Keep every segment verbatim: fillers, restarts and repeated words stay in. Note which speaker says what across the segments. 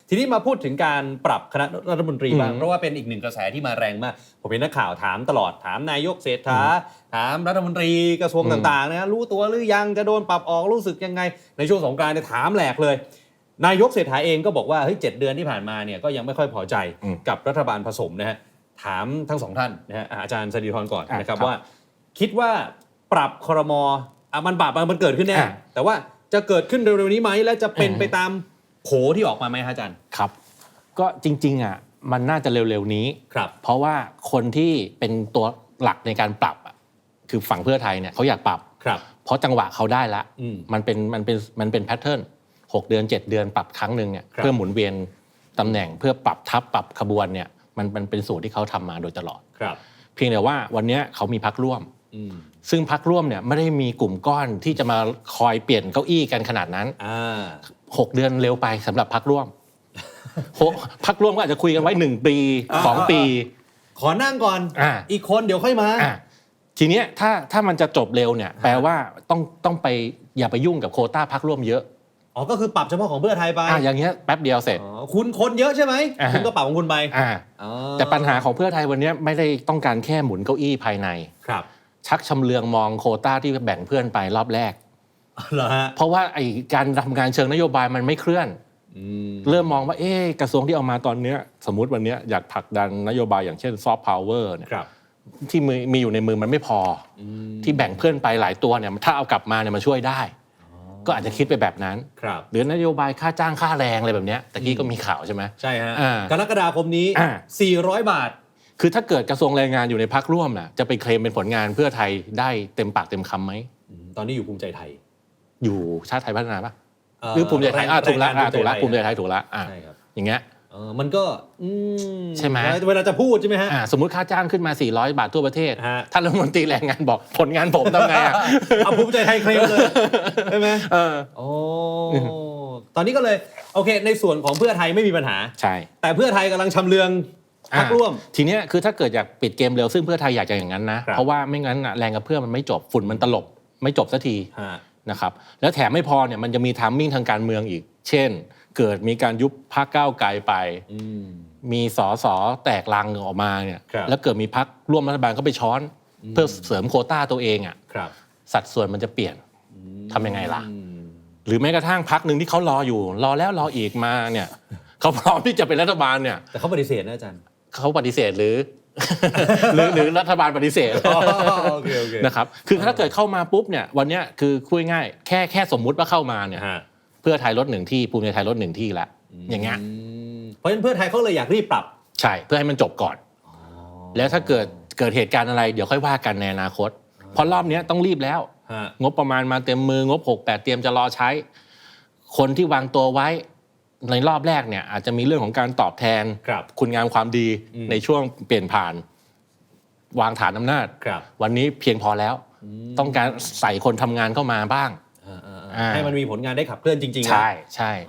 Speaker 1: ทีนี้มาพูดถึงการปรับคณะรัฐมนตรีบ้างเพราะว่าเป็นอีกหนึ่งกระแสที่มาแรงมากผมเห็นนักข่าวถามตลอดถามนายกเศรษฐาถามรัฐมนตรีกระทรวงต่างๆนะรู้ตัวหรือยังจะโดนปรับออกรู้สึกยังไงในช่วงสงกรานต์เนี่ยถามแหลกเลยนายกเศรษฐาเองก็บอกว่าเฮ้ยเจ็ดเดือนที่ผ่านมาเนี่ยก็ยังไม่ค่อยพอใจกับรัฐบาลผสมนะฮะถามทั้งสองท่านนะฮะอาจารย์สศิธรก่อนนะครับว่าคิดว่าปรับครม.มันปรับมันเกิดขึ้นแน่แต่ว่าจะเกิดขึ้นเร็วๆนี้ไหมและจะเป็นไปตามโผที่ออกมาไหมอาจารย์
Speaker 2: ครับก็จริงๆอ่ะมันน่าจะเร็วๆนี้
Speaker 1: ครับ
Speaker 2: เพราะว่าคนที่เป็นตัวหลักในการปรับอ่ะคือฝั่งเพื่อไทยเนี่ยเขาอยากปรับ
Speaker 1: ครับ
Speaker 2: เพราะจังหวะเขาได้ละมันเป็นมันเป็นมันเป็นแพทเทิร์นหกเดือนเจ็ดเดือนปรับครั้งนึงเนี่ยเพื่อหมุนเวียนตำแหน่งเพื่อปรับทับปรับขบวนเนี่ยมันมันเป็นสูตรที่เขาทำมาโดยตลอด
Speaker 1: ครับ
Speaker 2: เพียงแต่ว่าวันนี้เขามีพรรคร่วมซึ่งพรรคร่วมเนี่ยไม่ได้มีกลุ่มก้อนที่จะมาคอยเปลี่ยนเก้าอี้กันขนาดนั้นหกเดือนเร็วไปสำหรับพรรคร่วมพรรคร่วมก็อาจจะคุยกันไว้หนึ่งปีสองปี
Speaker 1: ขอนั่งก่อน อ, อีกคนเดี๋ยวค่อยมา
Speaker 2: ทีเนี้ยถ้าถ้ามันจะจบเร็วเนี่ยแปลว่าต้องต้องไปอย่าไปยุ่งกับโควต้าพรรคร่วมเยอะ
Speaker 1: อ๋อก็คือปรับเฉพาะของเพื่อไทยไป
Speaker 2: อ่าอย่างเงี้ยแป๊บเดียวเสร็จ
Speaker 1: คุณคนเยอะใช่ไหมคุณก็ปรับของคุณไป
Speaker 2: อ่าแต่ปัญหาของเพื่อไทยวันนี้ไม่ได้ต้องการแค่หมุนเก้าอี้ภายใน
Speaker 1: ครับ
Speaker 2: ชักชำเลืองมองโควต้าที่แบ่งเพื่อนไปรอบแรก
Speaker 1: เหรอฮะ
Speaker 2: เพราะว่าไอ้การทำงานเชิงนโยบายมันไม่เคลื่อนเริ่มมองว่าเอ๊ะกระทรวงที่เอามาตอนนี้สมมุติวันนี้อยากผลักดันนโยบายอย่างเช่นซอฟต์พาวเวอร์เนี่ยที่มีมีอยู่ในมือมันไม่พอที่แบ่งเพื่อนไปหลายตัวเนี่ยถ้าเอากลับมาเนี่ยมันช่วยได้ก็อาจจะคิดไปแบบนั้นหรือนโยบายค่าจ้างค่าแรงอะไรแบบนี้ตะกี้ก็มีข่าวใช่ไหม
Speaker 1: ใช่ฮะกรกฎาคมนี้สี่ร้อยบาท
Speaker 2: คือถ้าเกิดกระทรวงแรงงานอยู่ในพรรคร่วมน่ะจะไปเคลมเป็นผลงานเพื่อไทยได้เต็มปากเต็มคำไหม
Speaker 1: ตอนนี้อยู่ภูมิใจไทย
Speaker 2: อยู่ชาติไทยพัฒนาปะหรือภูมิใจไทยอ่ะถูกละถูกละภูมิใจไทยถูกละอ่ะอย่างเงี้ย
Speaker 1: มันก็
Speaker 2: ใช่ไหม
Speaker 1: เวลาจะพูดใช่ไหมฮะ
Speaker 2: สมมติค่าจ้างขึ้นมาสี่ร้อยบาททั่วประเทศท่านรัฐมนตรีแรงงานบอกผลงานผมทำไงอ่ะ
Speaker 1: เอาภูมิใจไทยเคลมเลยใช่ไหมเออโอ้ตอนนี้ก็เลยโอเคในส่วนของเพื่อไทยไม่มีปัญหา
Speaker 2: ใช่
Speaker 1: แต่เพื่อไทยกำลังชำเลืองพรรคร่วม
Speaker 2: ทีเนี้ยคือถ้าเกิดอยากปิดเกมเร็วซึ่งเพื่อไทยอยากจะอย่างนั้นนะเพราะว่าไม่งั้นแรงกับเพื่อมันไม่จบฝุ่นมันตลบไม่จบสักทีนะครับแล้วแถมไม่พอเนี่ยมันจะมีไทมิ่งทางการเมืองอีกเช่นเกิดมีการยุบพรรคก้าวไกลไปมีสสแตกลังออกมาเนี่ยแล้วเกิดมีพรรคร่วมรัฐบาลก็ไปช้อนเพื่อเสริมโควต้าตัวเองอ่ะสัดส่วนมันจะเปลี่ยนทำยังไงล่ะหรือแม้กระทั่งพรรคหนึ่งที่เขารออยู่รอแล้วรออีกมาเนี่ยเขาพร้อมที่จะเป็นรัฐบาลเนี่ย
Speaker 1: แต่เขาปฏิเสธนะอาจารย์
Speaker 2: เขาปฏิเสธหรือหรือหรือรัฐบาลปฏิเสธนะครับคือถ้าเกิดเข้ามาปุ๊บเนี่ยวันนี้คือคุยง่ายแค่แค่สมมุติว่าเข้ามาเนี่ยเพื่อไทยลดหนึ่งที่ภูมิใจไทยลดหนึ่งที่ละอย่างเงี้ย
Speaker 1: เพราะฉะนั้นเพื่อไทยเขาเลยอยากรีบปรับ
Speaker 2: ใช่เพื่อให้มันจบก่อนแล้วถ้าเกิดเกิดเหตุการณ์อะไรเดี๋ยวค่อยว่ากันในอนาคตเพราะรอบนี้ต้องรีบแล้วงบประมาณมาเต็มมืองบหก แปดเตรียมจะรอใช้คนที่วางตัวไว้ในรอบแรกเนี่ยอาจจะมีเรื่องของการตอบแทนคุณงามความดีในช่วงเปลี่ยนผ่านวางฐานอำนาจวันนี้เพียงพอแล้วต้องการใส่คนทำงานเข้ามาบ้าง
Speaker 1: ให้มันมีผลงานได้ขับเคลื่อนจริงๆ
Speaker 2: ใช่ใช่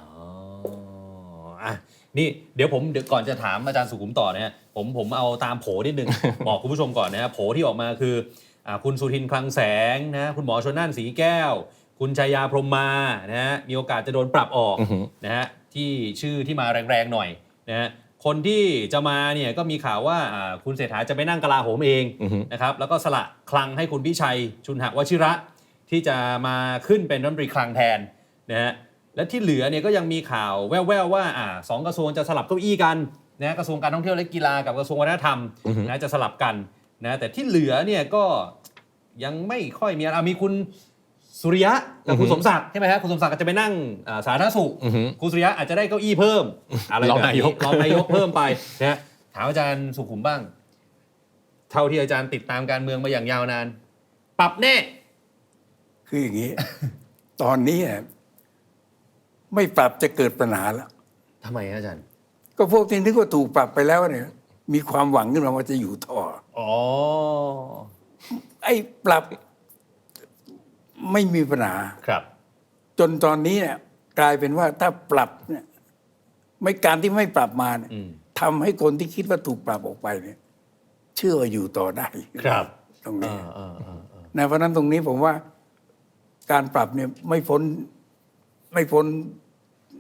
Speaker 1: นี่เดี๋ยวผมเดี๋ยวก่อนจะถามอาจารย์สุขุมต่อนะฮะผมผมเอาตามโผนิดนึง บอกคุณผู้ชมก่อนนะฮะโผที่ออกมาคือคุณสุทินคลังแสงนะคุณหมอชลน่านสีแก้วคุณชัยยาพรหมมานะฮะมีโอกาสจะโดนปรับออกนะฮะที่ชื่อที่มาแรงๆหน่อยนะฮะคนที่จะมาเนี่ยก็มีข่าวว่าคุณเศรษฐาจะไปนั่งกลาโหมเองนะครับแล้วก็สละคลังให้คุณพิชัยชุนหวชิระที่จะมาขึ้นเป็นรัฐมนตรีคลังแทนนะฮะและที่เหลือเนี่ยก็ยังมีข่าวแว่วๆว่าอ่าสองกระทรวงจะสลับเก้าอี้กันนะกระทรวงการท่องเที่ยวและกีฬากับกระทรวงวัฒนธรรมนะจะสลับกันนะแต่ที่เหลือเนี่ยก็ยังไม่ค่อยมีอะไรมีคุณสุริยะกับคุณสมศักดิ์ใช่ไหมฮะคุณสมศักดิ์จะไปนั่งสาธารณสุขคุณสุริยะอาจจะได้เก้าอี้เพิ่มอะไรแบบนี้รองนายกเพิ่มไปนะถามอาจารย์สุขุมบ้างเท่าที่อาจารย์ติดตามการเมืองมาอย่างยาวนานปรับแน่
Speaker 3: คืออย่างนี้ ตอนนี้ไม่ปรับจะเกิดปัญหาแล้ว
Speaker 1: ทำไมอาจารย์
Speaker 3: ก็พวกที่นึกว่าถูกปรับไปแล้วเนี่ยมีความหวังขึ้นมาว่าจะอยู่ต่อ
Speaker 1: อ๋อ
Speaker 3: ไอ้ปรับไม่มีปัญหา
Speaker 1: ครับ
Speaker 3: จนตอนนี้เนี่ยกลายเป็นว่าถ้าปรับเนี่ยไม่การที่ไม่ปรับมาเนี่ยทำให้คนที่คิดว่าถูกปรับออกไปเนี่ยเชื่อว่าอยู่ต่อได้
Speaker 1: ครับ
Speaker 3: ตรงนี้ในเพราะนั้นตรงนี้ผมว่าการปรับเนี่ยไม่พ้นไม่พ้น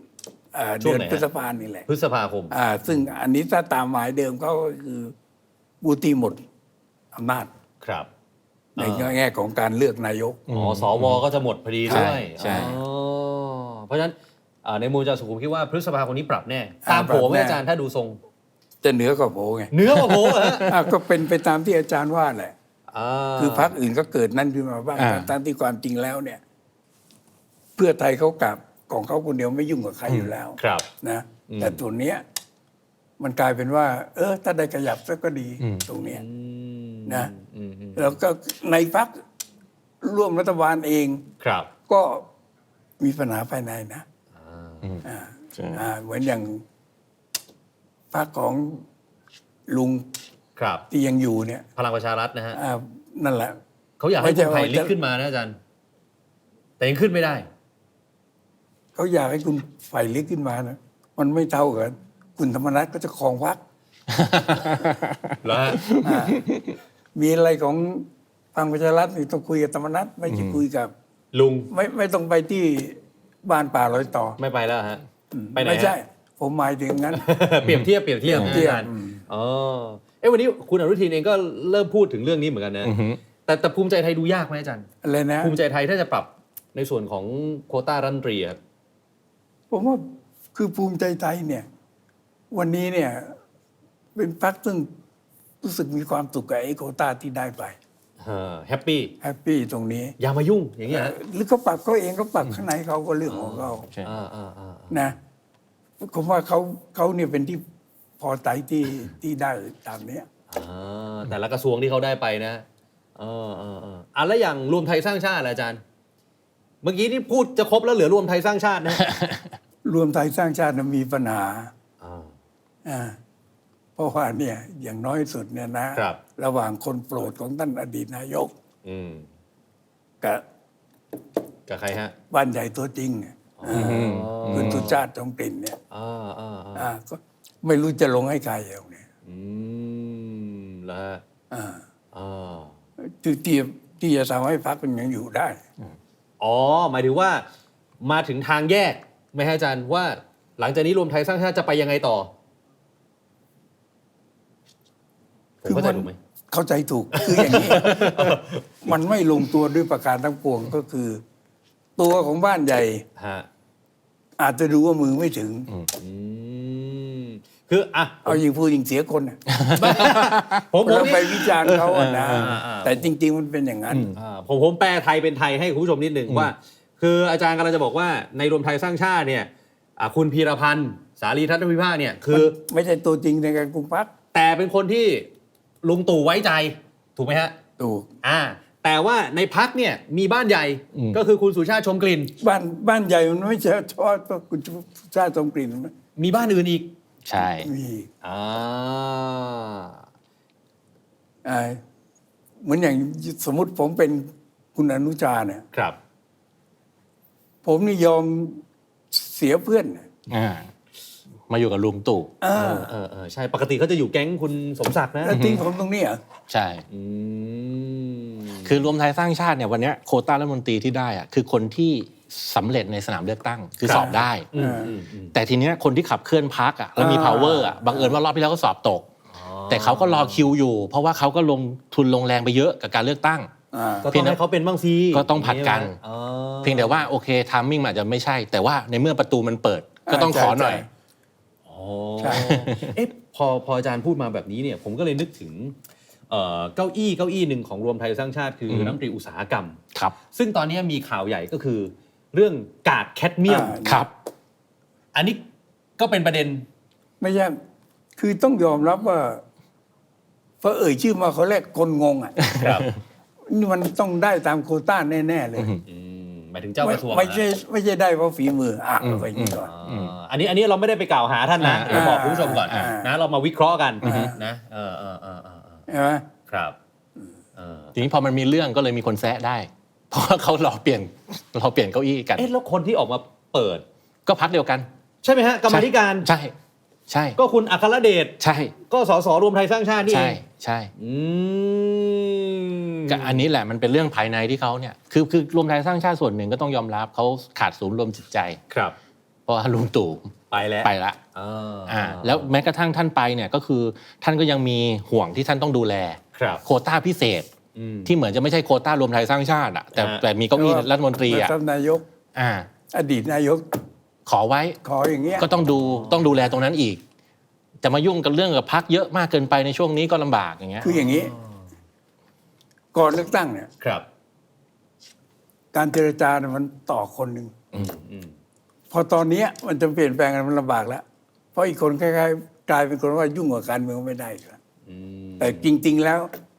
Speaker 3: เอ่อ
Speaker 1: ช่ว
Speaker 3: เดื
Speaker 1: ง
Speaker 3: อน
Speaker 1: ไหนฮะ
Speaker 3: พฤษภานี่แหละ
Speaker 1: พฤษภาคม
Speaker 3: อ่าซึ่งอันนี้ถ้าตามหมายเดิมเขาก็คือบูตีหมดอำนาจ
Speaker 1: ครับ
Speaker 3: ในแง่ของการเลือกนายก
Speaker 1: อ๋อสวก็จะหมดพอดีด้วย
Speaker 2: ใช่
Speaker 1: อ๋อเพราะฉะนั้นอ่าในมุมอาจารย์สุขุมคิดว่าพฤษภาคมนี้ปรับแน่
Speaker 3: อ่า
Speaker 1: ตามโผไหม
Speaker 3: ปรับแน่
Speaker 1: อาจารย์ถ้าดูทรง
Speaker 3: จะเหนือกว่าโผไง
Speaker 1: เนื้อกว่าโผเหรอฮะ
Speaker 3: อ่ะก็เป็นไปตามที่อาจารย์ว่าแหละ
Speaker 1: อ่า
Speaker 3: คือพรรคอื่นก็เกิดนั่นขึ้นมาบ้าง
Speaker 2: อ่า
Speaker 3: ตามที่ความจริงแล้วเนี่ย เพื่อไทยเขากลับของเขาคนเดียวไม่ยุ่งกับใครอยู่แล้ว
Speaker 1: ครับ
Speaker 3: นะ แต่ส่วนเนี้ย มันกลายเป็นว่า เออ ถ้าได้ขยับสักก็ดีตรงเนี้ย
Speaker 1: อืม
Speaker 3: นะ
Speaker 1: อืมอืม
Speaker 3: แล้วก็ในพรรคร่วมรัฐบาลเอง
Speaker 1: ครับ
Speaker 3: ก็มีปัญหาภายในนะ
Speaker 1: อ่า
Speaker 3: อ่า
Speaker 2: ใช่
Speaker 3: อ่าเหมือนอย่างพรรคของลุง
Speaker 1: ครับ
Speaker 3: ที่ยังอยู่เนี่ย
Speaker 1: พลังประชารัฐนะฮะ
Speaker 3: อ่านั่นแหละ
Speaker 1: เขาอยากให้
Speaker 3: ไม่ใช่
Speaker 1: คุณไผ่
Speaker 3: ว่า
Speaker 1: ลิก
Speaker 3: จะ
Speaker 1: ขึ้นมานะอาจารย์ แต่ยังขึ้นไม่ได้
Speaker 3: เขาอยากให้คุณไฟลิกขึ้นมานะมันไม่เท่ากันคุณธรรมนัฐก็จะครองพรรค
Speaker 1: แล้วฮะ
Speaker 3: อ่ามีอะไรของพลังประชารัฐนี่ต้องคุยกับธรรมนัฐไม่ใช่คุยกับ
Speaker 1: ลุง
Speaker 3: ไม่ไม่ต้องไปที่บ้านป่าลอยต่อ
Speaker 1: ไม่ไปแล้วฮะ ไปไหน
Speaker 3: ไม่
Speaker 1: ฮะ
Speaker 3: ใช่ ผมหมายถึงงั้น
Speaker 1: เปรียบเทียบเปรียบเทียบ
Speaker 3: เปรียบเทียบ
Speaker 1: นะอาจารย์
Speaker 3: อืม
Speaker 1: อ๋อเอ้วันนี้คุณอนุทินเองก็เริ่มพูดถึงเรื่องนี้เหมือนกันนะ
Speaker 2: อือฮึ
Speaker 1: แต่แต่ภูมิใจไทยดูยากไหมอาจารย์
Speaker 3: อะไรนะ
Speaker 1: ภูมิใจไทยถ้าจะปรับในส่วนของโควต้ารัฐมนตรีครับ
Speaker 3: ผมว่าคือภูมิใจไทยเนี่ย วันนี้เนี่ย เป็นพรรคซึ่งรู้สึกมีความสุขกับไอ้โควต้าที่ได้ไป
Speaker 1: แฮปปี้
Speaker 3: แฮปปี้ตรงนี้
Speaker 1: อย่ามายุ่งอย่างเงี้ยฮะ
Speaker 3: หรือเขาปรับเขาเองเขาปรับข้างในเขาก็เรื่องของเขา
Speaker 2: ใช่
Speaker 1: อ่าอ่าอ่า
Speaker 3: นะผมว่าเขาเขาเนี่ยเป็นที่พอใจที่ที่ได้ตามเนี้ย
Speaker 1: อ่าแต่ละกระทรวงที่เขาได้ไปนะเออเออเอออ่ะแล้วอย่างรวมไทยสร้างชาติล่ะอาจารย์ เมื่อกี้ที่พูดจะครบแล้วเหลือรวมไทยสร้างชาตินะ
Speaker 3: รวมไทยสร้างชาติน่ะมีปัญหา
Speaker 1: อ่า
Speaker 3: อ่าเพราะว่าเนี่ย อย่างน้อยสุดเนี่ยนะครับ ระหว่างคนโปรดของท่านอดีตนายก
Speaker 1: อืม
Speaker 3: กับ
Speaker 1: กับใครฮะ
Speaker 3: บ้านใหญ่ตัวจริงเนี่ย
Speaker 1: อ๋อ
Speaker 3: คุณสุชาติจงกลิ่นเนี่ย
Speaker 1: อ่าอ่าอ่า
Speaker 3: อ่าก็ไม่รู้จะลงให้ใครเอาเนี่ย
Speaker 1: อืมแล้วฮะ
Speaker 3: อ่า
Speaker 1: อ่า
Speaker 3: ที่ที่ที่จะทำให้พรรคมันยังอยู่ได้
Speaker 1: อ๋อ หมายถึงว่ามาถึงทางแยกไหมฮะอาจารย์ว่าหลังจากนี้รวมไทยสร้างชาติจะไปยังไงต่อ ผมเข้าใจถูกไหม
Speaker 3: เข้าใจถูก คืออย่างนี้ มันไม่ลงตัวด้วยประการทั้งปวงก็คือ ตัวของบ้านใหญ่
Speaker 1: ฮะ
Speaker 3: อาจจะดูว่ามือไม่ถึง
Speaker 1: อืมคืออ่ะ
Speaker 3: เอายิงพูดยิงเสียคนน่ะ
Speaker 1: ผมผม
Speaker 3: แล้วไป
Speaker 1: นี่
Speaker 3: วิจารณ์เขาอะนะ
Speaker 1: อ่าอ่าอ่า
Speaker 3: แต่จริง ๆ มันเป็นอย่างนั้น
Speaker 1: อ่าผมผมแปลไทยเป็นไทยให้คุณผู้ชมนิดหนึ่งว่า คืออาจารย์กำลังจะบอกว่าในรวมไทยสร้างชาติเนี่ยอ่ะคุณพีรพันธ์สารีทัตนวิภาคเนี่ยคือ
Speaker 3: ไม่ใช่ตัวจริงในการกุมพรรค
Speaker 1: แต่เป็นคนที่ลุงตู่ไว้ใจถูกไหมฮะ
Speaker 3: ถูก
Speaker 1: อ่า แต่ว่าในพักเนี่ยมีบ้านใหญ่
Speaker 2: อืม
Speaker 1: ก็คือคุณสุชาติชมกลิ่น
Speaker 3: บ้านบ้านใหญ่มันไม่ใช่เฉพาะตัวคุณชาติทรงกลิ่นนะ
Speaker 1: มีบ้านอื่นอีก
Speaker 2: ใช่
Speaker 3: มี
Speaker 1: อ่า
Speaker 3: อ่าเหมือนอย่างสมมติผมเป็นคุณอนุชาเนี่ย
Speaker 1: ครับ
Speaker 3: ผมนี่ยอมเสียเพื่อนน่ะ
Speaker 2: อ่ามาอยู่กับลุงตู่
Speaker 3: อ่า
Speaker 1: เออเออเออใช่ปกติเขาจะอยู่แก๊งคุณสมศักดิ์นะ
Speaker 3: แล้วทิ้งผมตรงนี้เหรอ
Speaker 2: ใช่
Speaker 1: อืม
Speaker 2: คือรวมไทยสร้างชาติเนี่ยวันเนี้ยโควต้ารัฐมนตรีที่ได้อะคือคนที่สำเร็จในสนามเลือกตั้งคือ
Speaker 1: ครับ
Speaker 2: สอบได้
Speaker 1: อืมอืมอืม
Speaker 2: แต่ทีเนี้ยคนที่ขับเคลื่อนพรรคอ่ะแล้วมี
Speaker 3: อ่า
Speaker 2: power อ่ะบังเอิญว่ารอบที่แล้วก็สอบตก
Speaker 1: อ๋อ
Speaker 2: แต่เขาก็รอคิวอยู่ เพราะว่าเขาก็ลงทุนลงแรงไปเยอะกับการเลือกตั้ง
Speaker 3: อ่า
Speaker 1: ก็ต้องให้เขาเป็นบ้างสิ
Speaker 2: ก็ต้องผัดกัน
Speaker 1: อ๋อ
Speaker 2: เพียงแต่ว่าโอเคทามมิ่งอาจจะไม่ใช่ แต่ว่าในเมื่อประตูมันเปิด ก็ต้องขอหน่อย
Speaker 1: อ๋อ
Speaker 3: ใช่
Speaker 1: เอ๊ะพอพออาจารย์พูดมาแบบนี้เนี่ย ผมก็เลยนึกถึงเอ่อเก้าอี้เก้าอี้หนึ่งของรวมไทยสร้างชาติคือ
Speaker 2: อืม
Speaker 1: รัฐมนตรีอุตสาหกรรม
Speaker 2: ครับ
Speaker 1: ซึ่งตอนนี้มีข่าวใหญ่ก็คือ เรื่องกากแคดเมียม
Speaker 3: อ่า
Speaker 2: ครับ
Speaker 1: อันนี้ก็เป็นประเด็น
Speaker 3: ไม่ใช่ คือต้องยอมรับว่าพอเอ่ยชื่อมาเขาแรกคนงงอ่ะ
Speaker 1: ครับ
Speaker 3: นี่มันต้องได้ตามโควต้าแน่ ๆ เลย
Speaker 1: อืมหมายถึงเจ้ากระทรวง
Speaker 3: ไม่
Speaker 1: นะ
Speaker 3: ใช่ไม่ใช่ได้เพราะฝีมือ อ่ะ
Speaker 2: อืม
Speaker 3: เอาไปอย่างนี้ก่อน
Speaker 1: อ่าอันนี้อันนี้เราไม่ได้ไปกล่าวหาท่านนะ
Speaker 2: อ่า
Speaker 1: เดี๋ยวบอกคุณผู้ชมก่อน
Speaker 3: อ่า
Speaker 1: นะเรามาวิเคราะห์กัน
Speaker 3: อ่า
Speaker 1: นะเออเออเออเออเออ
Speaker 3: ใช่ไหม
Speaker 1: ครับเออ
Speaker 2: ทีนี้พอมันมีเรื่องก็เลยมีคนแซะได้ เพราะว่าเขารอเปลี่ยนรอเปลี่ยนเก้าอี้กัน
Speaker 1: เอ๊ะแล้วคนที่ออกมาเปิด
Speaker 2: ก็พักเดียวกัน
Speaker 1: ใช่ไหมฮะกรรมาธิการ
Speaker 2: ใช่ ใช่
Speaker 1: ก็คุณอัครเดช
Speaker 2: ใช่
Speaker 1: ก็สสรวมไทยสร้างชาตินี่เอ
Speaker 2: ใช่
Speaker 1: ง
Speaker 2: ใช่
Speaker 1: อืม
Speaker 2: ก็อันนี้แหละมันเป็นเรื่องภายในที่เขาเนี่ยคือคือรวมไทยสร้างชาติส่วนหนึ่งก็ต้องยอมรับเขาขาดศูนย์รวมจิตใจ
Speaker 1: ครับ
Speaker 2: เพราะว่าลุงตู่
Speaker 1: ไปแล้ว
Speaker 2: ไปละอ่าแล้วแม้กระทั่งท่านไปเนี่ยก็คือท่านก็ยังมีห่วงที่ท่านต้องดูแลโควต้าพิเศษที่เหมือนจะไม่ใช่โควต้ารวมไทยสร้างชาติอ่ะแต่แต่มีเก้าอี้รัฐมนตรีอ่ะ
Speaker 3: ท่านนายก
Speaker 2: อ่า
Speaker 3: อดีตนายก
Speaker 2: ขอไว้
Speaker 3: ขออย่างเงี้ย
Speaker 2: ก็ต้องดูต้องดูแลตรงนั้นอีกจะมายุ่งกับเรื่องกับพรรคเยอะมากเกินไปในช่วงนี้ก็ลำบากอย่างเงี้ย
Speaker 3: คืออย่างนี้ก่อนเลือกตั้งเนี่ย
Speaker 1: ครับ
Speaker 3: การเจรจาเนี่ยมันต่อคนหนึ่งพอตอนนี้มันจะเปลี่ยนแปลงกันมันลำบากแล้วเพราะอีกคนคล้ายๆกลายเป็นคนว่ายุ่งกับการเมืองไม่ได้แล้วแต่จริงๆแล้ว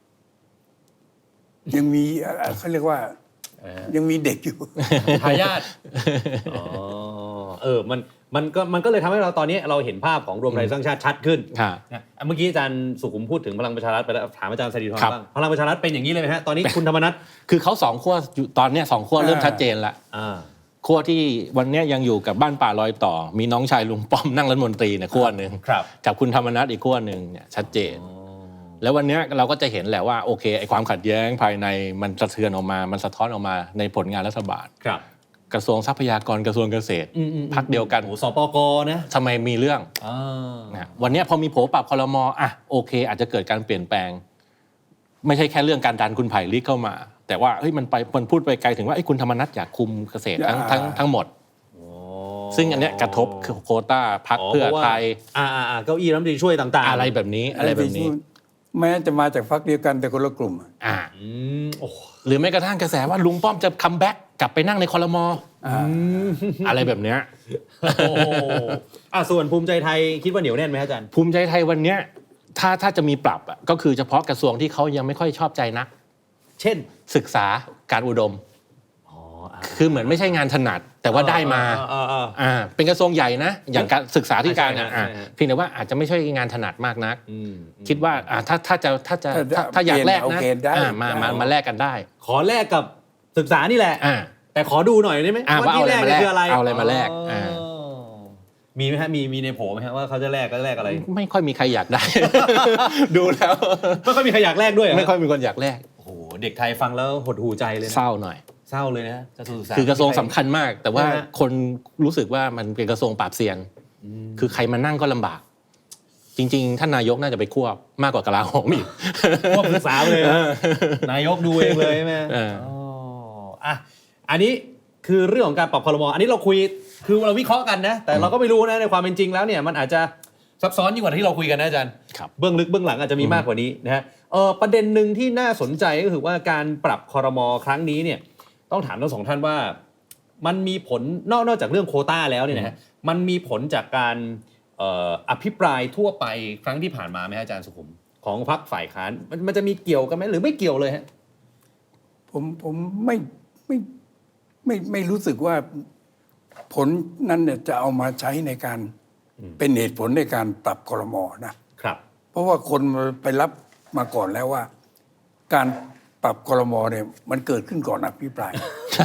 Speaker 3: ยังมีเขาเรียกว่ายังมีเด็กอยู่
Speaker 1: ทายาทอ๋อเออมันมันก็มันก็เลยทำให้เราตอนนี้เราเห็นภาพของรวมไทยสร้างชาติชัดขึ้นเมื่อกี้อาจารย์สุขุมพูดถึงพลังประชารัฐไปแล้วถามอาจารย์สรีธรบ้างพลังประชารัฐเป็นอย่างนี้เลยไหมฮะตอนนี้คุณธรรมนัส
Speaker 2: คือเขาสองขั้วตอนนี้สองขั้วเริ่มชัดเจนแล้วขั้วที่วันนี้ยังอยู่กับบ้านป่าลอยต่อมีน้องชายลุงป้อมนั่งรัฐมนตรีเนี่ยขั้วหนึ่งกับคุณธรรมนัสอีกขั้วหนึ่งเนี่ยชัดเจนแล้ววันนี้เราก็จะเห็นแหละว่าโอเคไอ้ความขัดแย้งภายในมันสะเทือนออกมามันสะท้อนออกมาในผลงานรัฐบาลกระทรวงทรัพยากรกระทรวงเกษตรพรรคเดียวกัน
Speaker 1: สปกนะ
Speaker 2: ทำไมมีเรื่องนะวันนี้พอมีโผปรับครม.อ่ะโอเคอาจจะเกิดการเปลี่ยนแปลงไม่ใช่แค่เรื่องการดันคุณไผ่ลิกเข้ามาแต่ว่าเฮ้ยมันไปมันพูดไปไกลถึงว่าไอ้คุณธรรมนัสอยากคุมเกษตรทั้งทั้งทั้งหมดซึ่งอันเนี้ยกระทบโควต้าพรรคเพื่อไทย
Speaker 1: อ่าๆเก้าอี้รัฐมนตรีช่วยต่างๆ
Speaker 2: อะไรแบบนี้อะไรแบบนี้
Speaker 3: แม้จะมาจากพรรคเดียวกันแต่คนละกลุ่ม
Speaker 2: อ่าหรือแม้กระทั่งกระแสว่าลุงป้อมจะคัมแบ็กกลับไปนั่งในครม.อะไรแบบเนี้ย
Speaker 1: อ่าส่วนภูมิใจไทยคิดว่าเหนียวแน่นไหมอาจารย์
Speaker 2: ภูมิใจไทยวันเนี้ยถ้าถ้าจะมีปรับอ่ะก็คือเฉพาะกระทรวงที่เขายังไม่ค่อยชอบใจนัก
Speaker 1: เช่น
Speaker 2: ศึกษาการอุดมคือเหมือนไม่ใช่งานถนัดแต่ว่าได้มาอ่าเป็นกระทรวงใหญ่นะอย่างการศึกษาธิการอ่ะเพียงแต่ว่าอาจจะไม่ใช่งานถนัดมากนักคิดว่าอ่าถ้าถ้าจะถ้าจะถ้าอยากแลกนะมามามาแลกกันได้
Speaker 1: ขอแลกกับศึกษานี่แหละแต่ขอดูหน่อยได้ไหม
Speaker 2: ว่าที่แลกคืออะไรเอาอะไรมาแลก
Speaker 1: มีไหมฮะมีมีในโผล่ไหมฮะว่าเขาจะแลกก็แลกอะไร
Speaker 2: ไม่ค่อยมีใครอยากได้ดูแล้ว
Speaker 1: ไม่ค่อยมีใครอยากแลกด้วย
Speaker 2: ไม่ค่อยมีคนอยากแลก
Speaker 1: โอ้โหเด็กไทยฟังแล้วหดหูใจเลย
Speaker 2: เศร้าหน่อย
Speaker 1: เศร้าเลยนะ
Speaker 2: คือกระทรวงสำคัญมากแต่ว่าคนรู้สึกว่ามันเป็นกระทรวงปราบเซียนคือใครมานั่งก็ลำบากจริงๆท่านนายกน่าจะไปควบมากกว่ากลาโหมอีก
Speaker 1: ควบศึกษาเลยนายกดูเองเลยใช่ไหมอ๋ออ่ะอันนี้คือเรื่องของการปรับครม.อันนี้เราคุยคือเราวิเคราะห์กันนะแต่เราก็ไม่รู้นะในความเป็นจริงแล้วเนี่ยมันอาจจะซับซ้อนยิ่งกว่าที่เราคุยกันนะอาจารย์เบื้องลึกเบื้องหลังอาจจะมีมากกว่านี้นะฮะเออประเด็นหนึ่งที่น่าสนใจก็คือว่าการปรับครม.ครั้งนี้เนี่ยต้องถามทั้งสองท่านว่ามันมีผลนอกนอกจากเรื่องโควต้าแล้วเนี่ยนะฮะมันมีผลจากการอภิปรายทั่วไปครั้งที่ผ่านมาไหมอาจารย์สุขุมของพรรคฝ่ายค้านมันมันจะมีเกี่ยวกันไหมหรือไม่เกี่ยวเลยฮะ
Speaker 3: ผมผมไม่ไม่ไม่ไม่รู้สึกว่าผลนั้นเนี่ยจะเอามาใช้ในการเป็นเหตุผลในการปรับครม.นะครับเพราะว่าคนไปรับมาก่อนแล้วว่าการปรับครม.เนี่ยมันเกิดขึ้นก่อนอภิปราย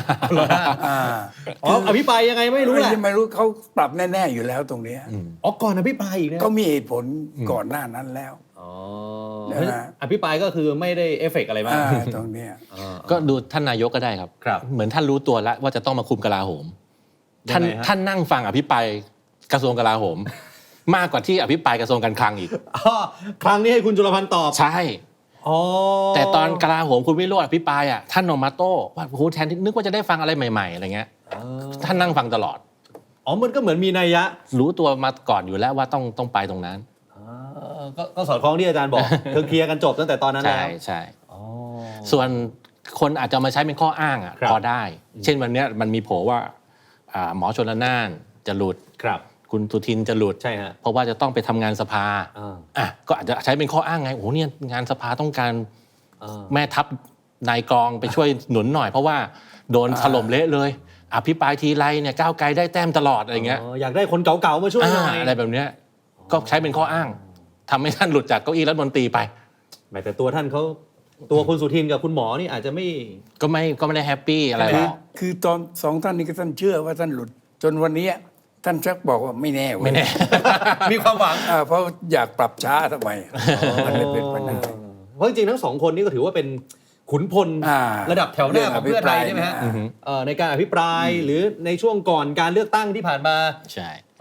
Speaker 1: อ๋ออภิปรายยังไงไม่รู้แหละ
Speaker 3: ไม่รู้เขาปรับแน่ๆอยู่แล้วตรงนี้
Speaker 1: อ๋อก่อนอภิปรายอีกนะ
Speaker 3: เขามีเหตุผลก่อนหน้านั้นแล้ว
Speaker 1: อ๋ออภิปรายก็คือไม่ได้เอฟเฟกต์อะไรมาก
Speaker 3: ตรงนี้
Speaker 2: ก็ดูท่านนายกก็ได้ครับเหมือนท่านรู้ตัวแล้วว่าจะต้องมาคุมกลาโหมท่านท่านนั่งฟังอภิปรายกระทรวงกลาโหมมากกว่าที่อภิปรายกระทรวงการคลังอีก
Speaker 1: ครั้งนี้ให้คุณจุลพันธ์ตอบ
Speaker 2: ใช่แต่ตอนกลาโหมคุณวิโรจน์อภิปรายอ่ะท่านออกมาโต้ว่าโอ้โหแทนที่นึกว่าจะได้ฟังอะไรใหม่ๆอะไรเงี้ยท่านนั่งฟังตลอด
Speaker 1: อ๋อมันก็เหมือนมีนัยยะ
Speaker 2: รู้ตัวมาก่อนอยู่แล้วว่าต้องต้องไปตรงนั้น
Speaker 1: ก็สอดคล้องที่อาจารย์บอกคือเคลียร์กันจบตั้งแต่ตอนนั้นแล้ว
Speaker 2: ใช่ใช่ส่วนคนอาจจะมาใช้เป็นข้ออ้างอ่ะพอได้เช่นวันนี้มันมีโผว่าหมอชลน่านจะหลุดคุณสุทินจะหลุด
Speaker 1: ใช่ฮะ
Speaker 2: เพราะว่าจะต้องไปทำงานสภาอ่ะก็อาจจะใช้เป็นข้ออ้างไงโอ้โหเนี่ยงานสภาต้องการแม่ทัพนายกองไปช่วยหนุนหน่อยเพราะว่าโดนถล่มเละเลยอภิปรายทีไรเนี่ยก้าวไกลได้แต้มตลอดอะไรเงี้ย
Speaker 1: อยากได้คนเก่าๆมาช่วยหน่อย
Speaker 2: อะไรแบบเนี้ยก็ใช้เป็นข้ออ้างทำให้ท่านหลุดจากเก้าอี้รัฐมนตรีไป
Speaker 1: แต่ตัวท่านเขาตัวคุณสุทินกับคุณหมอนี่อาจจะไม่
Speaker 2: ก็ไม่ก็ไม่ได้แฮปปี้อะไรหรอก
Speaker 3: คือตอนสองท่านนี้ก็ท่านเชื่อว่าท่านหลุดจนวันนี้ท่านชักบอกว่าไม่แน่
Speaker 2: ไม่แน่
Speaker 1: มีความหวัง
Speaker 3: เพราะอยากปรับช้าทำไมมันเลยเป็นปัญหา
Speaker 1: เพราะจริงๆทั้งสองคนนี้ก็ถือว่าเป็นขุนพลระดับแถวหน้าของเพื่อไทยใช่ไหมฮะในการอภิปรายหรือในช่วงก่อนการเลือกตั้งที่ผ่านมา
Speaker 2: ใช่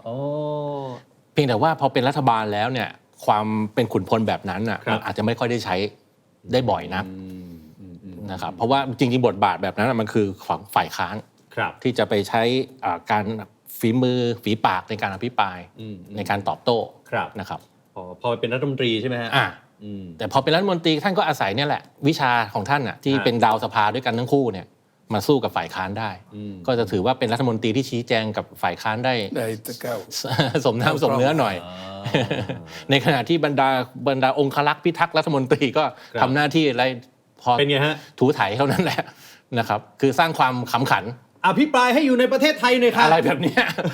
Speaker 1: โอ้
Speaker 2: เพียงแต่ว่าพอเป็นรัฐบาลแล้วเนี่ยความเป็นขุนพลแบบนั้นอ่ะมันอาจจะไม่ค่อยได้ใช้ได้บ่อยนักนะครับเพราะว่าจริงๆบทบาทแบบนั้นมันคือของฝ่ายค้านที่จะไปใช้การฝีมือฝีปากในการอภิปรายในการตอบโต้นะครับ
Speaker 1: พอเป็นรัฐมนตรีใช่ไหมฮะ
Speaker 2: แต่พอเป็นรัฐมนตรีท่านก็อาศัยเนี่ยแหละวิชาของท่านอ่ะที่เป็นดาวสภาด้วยกันทั้งคู่เนี่ยมาสู้กับฝ่ายค้านได้ก็จะถือว่าเป็นรัฐมนตรีที่ชี้แจงกับฝ่ายค้านได้สมน้ำสมเนื้อหน่อยในขณะที่บรรดาบรรดาองครักษ์พิทักษ์รัฐมนตรีก็ทำหน้าที่อะไรพอ
Speaker 1: เป็นไงฮะ
Speaker 2: ถูถ่ายเท่านั้นแหละนะครับคือสร้างความขำขัน
Speaker 1: อภิปรายให้อยู่ในประเทศไทยหน่อยครับ
Speaker 2: อะไรแบบนี้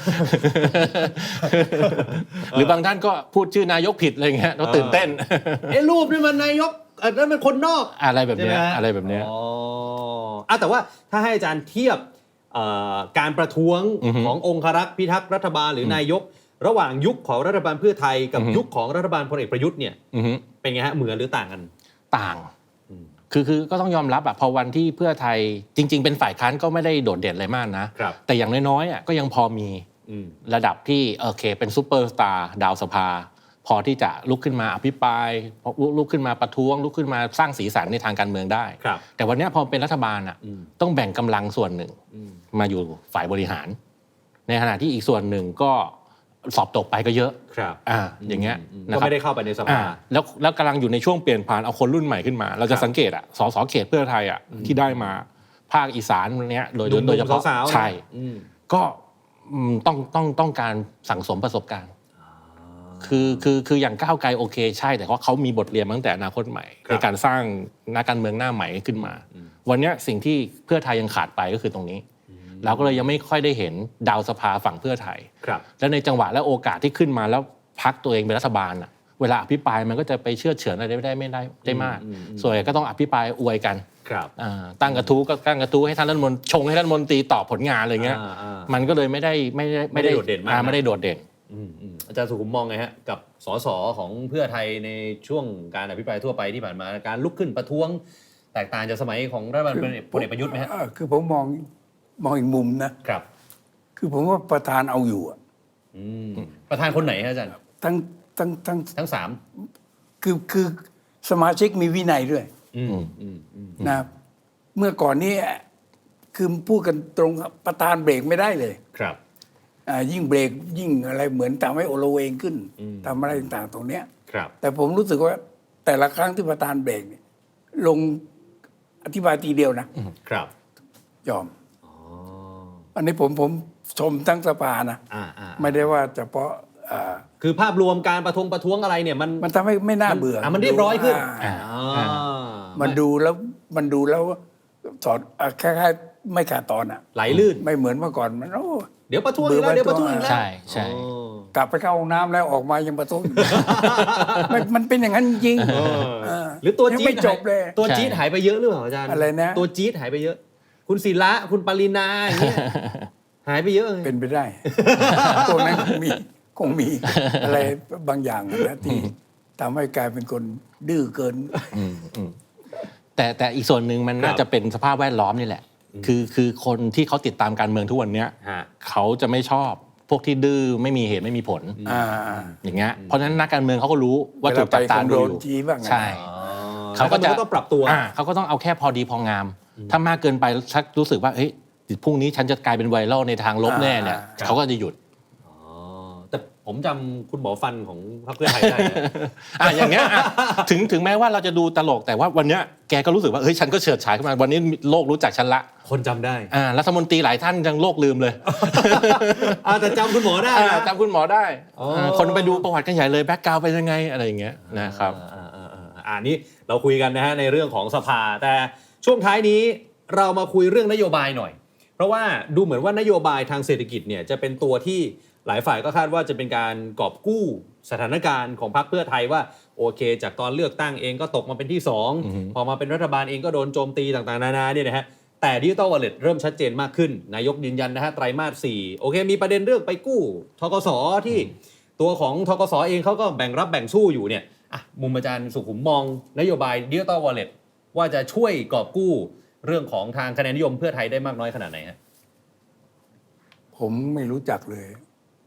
Speaker 2: หรือบางท่านก็พูดชื่อนายกผิดอะไรเงี้ยเราตื่นเต้น
Speaker 1: ไอ้รูปนี่มันนายกนั่นมันคนนอก
Speaker 2: อะไรแบบนี้อะไรแบบนี้
Speaker 1: อ๋อแต่ว่าถ้าให้อาจารย์เทียบการประท้วงขององครักษ์พิทักษ์รัฐบาลหรือนายกระหว่างยุคของรัฐบาลเพื่อไทยกับยุคของรัฐบาลพลเอกประยุทธ์เนี่ยเป็นไงฮะเหมือนหรือต่างกัน
Speaker 2: ต่างคือคือก็ต้องยอมรับอะพอวันที่เพื่อไทยจริงๆเป็นฝ่ายค้านก็ไม่ได้โดดเด่นอะไรมากนะแต่อย่างน้อยๆอะก็ยังพอมีระดับที่โอเคเป็นซูเปอร์สตาร์ดาวสภาพอที่จะลุกขึ้นมาอภิปรายลุกขึ้นมาประท้วงลุกขึ้นมาสร้างสีสันในทางการเมืองได้แต่วันนี้พอเป็นรัฐบาลอะต้องแบ่งกำลังส่วนหนึ่งมาอยู่ฝ่ายบริหารในขณะที่อีกส่วนหนึ่งก็สอบตกไปก็เยอะ
Speaker 1: ครับ
Speaker 2: อ่าอย่างเงี้ย
Speaker 1: ก็ไม่ได้เข้าไปในสภา
Speaker 2: แล้วแล้วกำลังอยู่ในช่วงเปลี่ยนผ่านเอาคนรุ่นใหม่ขึ้นมาเราจะสังเกตอ่ะสสเขตเพื่อไทยอ่ะที่ได้มาภาคอีสานเนี้ยโดยโดยเฉพาะใช่ก็ต้องต้องต้องการสั่งสมประสบการณ์คือคือคืออย่างก้าวไกลโอเคใช่แต่ว่าเขามีบทเรียนมาตั้งแต่อนาคตใหม่ในการสร้างนักการเมืองหน้าใหม่ขึ้นมาวันนี้สิ่งที่เพื่อไทยยังขาดไปก็คือตรงนี้เราก็เลยยังไม่ค่อยได้เห็นดาวสภาฝั่งเพื่อไทยแล้วในจังหวะและโอกาสที่ขึ้นมาแล้วพรรคตัวเองเป็นรัฐบาลอ่ะเวลาอภิปรายมันก็จะไปเชื่อเฉือนอะไรไม่ได้ไม่ได้ได้มากส่วนใหญ่ก็ต้องอภิปรายอวยกันตั้งกระทู้ก็ตั้งกระทู้ให้ท่านรัฐมนตรีชงให้ท่านรัฐมนตรีตอบผลงานอะไรเงี้ยมันก็เลยไม่ได้ไม่ได้
Speaker 1: ไม่ได้โดดเด่นมาก
Speaker 2: ไม่ได้โดดเด่น
Speaker 1: อาจารย์สุขุมมองไงฮะกับสสของเพื่อไทยในช่วงการอภิปรายทั่วไปที่ผ่านมาการลุกขึ้นประท้วงแตกต่างจากสมัยของรัฐบาลพลเอกประยุทธ์ไหมฮะ
Speaker 3: คือผมมองมองอีกมุมนะครับคือผมว่าประธานเอาอยู่อ่ะ
Speaker 1: ประธานคนไหนฮะอาจารย์
Speaker 3: ทั้งทั้งทั้ง
Speaker 1: ทั้งสาม
Speaker 3: คือคือสมาชิกมีวินัยด้วยนะเมื่อก่อนนี้คือพูดกันตรงประธานเบรกไม่ได้เลย
Speaker 1: ครับ
Speaker 3: ยิ่งเบรกยิ่งอะไรเหมือนทำให้โอโลเวงขึ้นทำอะไรต่างๆตรงเนี้ยแต่ผมรู้สึกว่าแต่ละครั้งที่ประธานเบรกลงอธิบายทีเดียวนะครับยอมอันนี้ผมผมชมทั้งสภานะไม่ได้ว่าเฉพาะ
Speaker 1: คือภาพรวมการประท้วงประท้วงอะไรเนี่ยมัน
Speaker 3: มันทำให้ไม่น่าเบื่อ
Speaker 1: มันเรียบร้อยขึ้น
Speaker 3: มันดูแล้วมันดูแล้วสอดแค่ๆไม่ขาดตอนอ่ะ
Speaker 1: ไหลลื่น
Speaker 3: ไม่เหมือนเมื่อก่อนมันโอ้
Speaker 1: เดี๋ยวประท้วงอีกแล้วเดี๋ยวประท้วงอีกแล้ว
Speaker 2: ใช่ใช่
Speaker 3: กลับไปเข้าห้องน้ำแล้วออกมายังประท้วงมันเป็นอย่างนั้นจริง
Speaker 1: หรือตัวจี๊ด
Speaker 3: จบเลย
Speaker 1: ตัวจี๊ดหายไปเยอะหรือเปล่าอาจารย์
Speaker 3: อะไรนะ
Speaker 1: ตัวจี๊ดหายไปเยอะคุณศิระคุณปรินาอย่างเงี้ยหายไปเยอะ
Speaker 3: เป็นไปได้ตัวนั้นคงมีคงมีอะไรบางอย่างนะที่ทำให้กลายเป็นคนดื้อเกิน
Speaker 2: แต่แต่อีกส่วนหนึ่งมันน่าจะเป็นสภาพแวดล้อมนี่แหละคือคือคนที่เขาติดตามการเมืองทุกวันนี้เขาจะไม่ชอบพวกที่ดื้อไม่มีเหตุไม่มีผลอย่างเงี้ยเพราะฉะนั้นนักการเมืองเขาก็รู้ว่าถูกจับตาดูอยู่ใช่
Speaker 1: เขาก็จะต้องปรับตัว
Speaker 2: เขาก็ต้องเอาแค่พอดีพองามถ้ามากเกินไปชักรู้สึกว่าเฮ้ยพรุ่งนี้ฉันจะกลายเป็นไวรัลในทางลบแน่เนี่ยเขาก็จะหยุด
Speaker 1: แต่ผมจำคุณหมอฟันของพรรคเพื่อไทยได้
Speaker 2: อ่ะอย่างเงี้ยถึงถึงแม้ว่าเราจะดูตลกแต่ว่าวันเนี้ยแกก็รู้สึกว่าเฮ้ยฉันก็เฉิดฉายขึ้นมาวันนี้โลกรู้จักฉันละ
Speaker 1: คนจำได้
Speaker 2: อ่ารัฐมนตรีหลายท่านยังโลกลืมเลย
Speaker 1: อ่าแต่จำคุณหมอได้
Speaker 2: จำคุณหมอได้คนไปดูประวัติกันใหญ่เลยแบ็คกราวด์เป็นยังไงอะไรอย่างเงี้ยนะครับ
Speaker 1: อ่านี่เราคุยกันนะฮะในเรื่องของสภาแต่ช่วงท้ายนี้เรามาคุยเรื่องนโยบายหน่อยเพราะว่าดูเหมือนว่านโยบายทางเศรษฐกิจเนี่ยจะเป็นตัวที่หลายฝ่ายก็คาดว่าจะเป็นการกอบกู้สถานการณ์ของพรรคเพื่อไทยว่าโอเคจากตอนเลือกตั้งเองก็ตกมาเป็นที่สองพอมาเป็นรัฐบาลเองก็โดนโจมตีต่างๆนานาเนี่ยนะฮะแต่ Digital Wallet เริ่มชัดเจนมากขึ้นนายกยืนยันนะฮะไตรมาสสี่โอเคมีประเด็นเรื่องไปกู้ธกสที่ตัวของธกสเองเขาก็แบ่งรับแบ่งสู้อยู่เนี่ยอ่ะมุมอาจารย์สุขุมมองนโยบาย Digital Wallet ว่าจะช่วยกอบกู้เรื่องของทางคะแนนนิยมเพื่อไทยได้มากน้อยขนาดไหนฮะ
Speaker 3: ผมไม่รู้จักเลย